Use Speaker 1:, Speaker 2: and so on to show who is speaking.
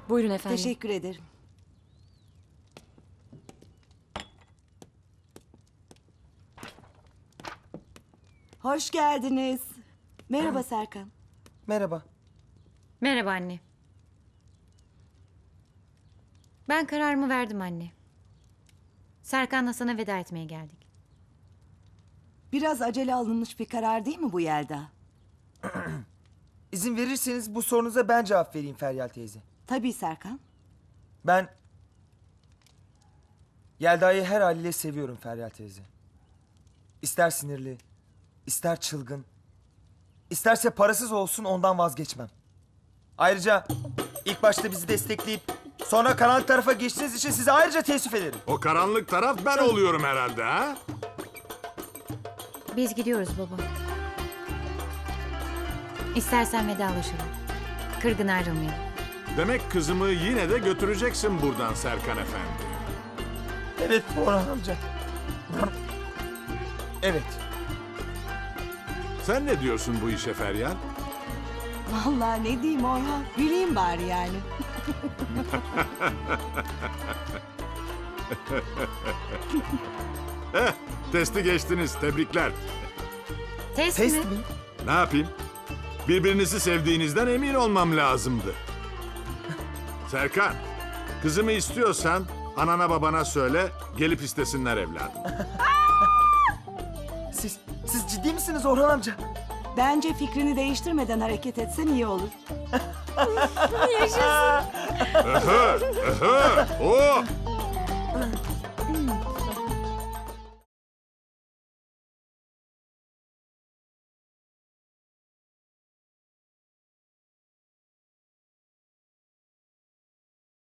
Speaker 1: Buyurun efendim.
Speaker 2: Teşekkür ederim. Hoş geldiniz. Merhaba Serkan.
Speaker 3: Merhaba.
Speaker 1: Merhaba anne. Ben kararımı verdim anne. Serkan'la sana veda etmeye geldik.
Speaker 2: Biraz acele alınmış bir karar değil mi bu Yelda?
Speaker 3: İzin verirseniz bu sorunuza ben cevap vereyim Feryal teyze.
Speaker 2: Tabii Serkan.
Speaker 3: Ben Yelda'yı her haliyle seviyorum Feryal teyze. İster sinirli, ister çılgın, isterse parasız olsun ondan vazgeçmem. Ayrıca ilk başta bizi destekleyip sonra karanlık tarafa geçtiğiniz için size ayrıca teessüf ederim.
Speaker 4: O karanlık taraf ben oluyorum herhalde ha?
Speaker 1: Biz gidiyoruz baba. İstersen vedalaşalım. Kırgın ayrılmayalım.
Speaker 4: Demek kızımı yine de götüreceksin buradan Serkan Efendi.
Speaker 3: Evet Orhan amca. Evet.
Speaker 4: Sen ne diyorsun bu işe Feryal?
Speaker 2: Vallahi ne diyeyim Orhan? Güleyim bari yani.
Speaker 4: Testi geçtiniz, tebrikler.
Speaker 1: Test,
Speaker 3: Test
Speaker 1: mi?
Speaker 3: mi?
Speaker 4: Ne yapayım? Birbirinizi sevdiğinizden emin olmam lazımdı. Serkan, kızımı istiyorsan anana babana söyle, gelip istesinler evladım.
Speaker 3: Siz ciddi misiniz Orhan amca?
Speaker 2: Bence fikrini değiştirmeden hareket etsen iyi olur.
Speaker 1: Yaşasın.